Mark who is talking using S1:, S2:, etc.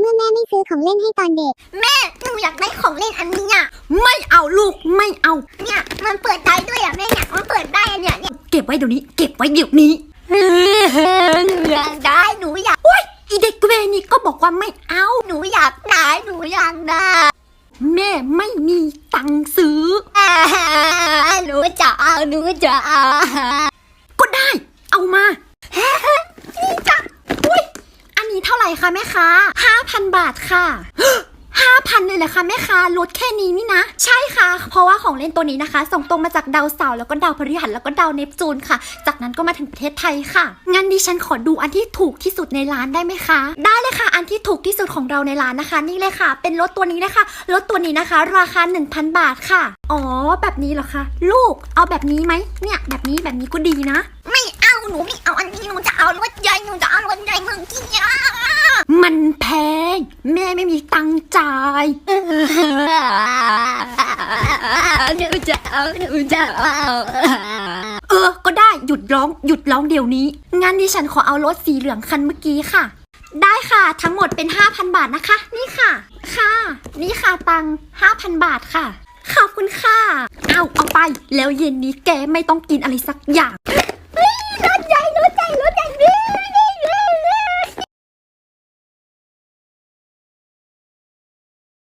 S1: มื่อแม่ไม่ซื้อของเล่นให้ตอนเด็ก
S2: แม่หนูอยากได้ของเล่นอันนี้อ่ะ
S3: ไม่เอาลูกไม่เอา
S2: เนี่ยมันเปิดได้ด้วยอ่ะแม่เนี่ยมันเปิดได้อันเนี่ย
S3: เก็บไว้เดี๋ยวนี้เก็บไว้เดี๋ยวนี้
S2: หนูอยากได้หนูอยาก
S3: โอ๊ยอีเด็กเวรนี่ก็บอกว่าไม่เอา
S2: หนูอยากได้หนูอยากได้
S3: แม่ไม่มีตังค์ซื้อ
S2: หนูจะเอา
S3: ก็ได้เอามานี่จ้ะอุ้ยอันนี้เท่าไหร่คะแม่ค้า5,000 บาทค่ะ5,000เลยเหรอคะแม่ค้าลดแค่นี้นี่นะใช่ค่ะเพราะว่าของเล่นตัวนี้นะคะส่งตรงมาจากดาวเสาร์แล้วก็ดาวพฤหัสแล้วก็ดาวเนปจูนค่ะจากนั้นก็มาถึงประเทศไทยค่ะงั้นดิฉันขอดูอันที่ถูกที่สุดในร้านได้ไหมคะได้เลยค่ะอันที่ถูกที่สุดของเราในร้านนะคะนี่เลยค่ะเป็นรถตัวนี้นะคะรถตัวนี้นะคะราคา 1,000 บาทค่ะอ๋อแบบนี้เหรอคะลูกเอาแบบนี้ไหมเนี่ยแบบนี้ก็ดีนะ
S2: ไม่เอาหนูไม่เอาอันนี้หนูจะเอารถใหญ่เมืองที่ยา
S3: มันแพงแม่ไม่มีตังค์จ่าย
S2: หนูจะเอา
S3: ก็ได้หยุดร้องเดี๋ยวนี้งั้นดิฉันขอเอารถสีเหลืองคันเมื่อกี้ค่ะได้ค่ะทั้งหมดเป็น 5,000 บาทนะคะนี่ค่ะนี่ค่ะตังค์ 5,000 บาทค่ะขอบคุณค่ะเอาไปแล้วเย็นนี้แกไม่ต้องกินอะไรสักอย่าง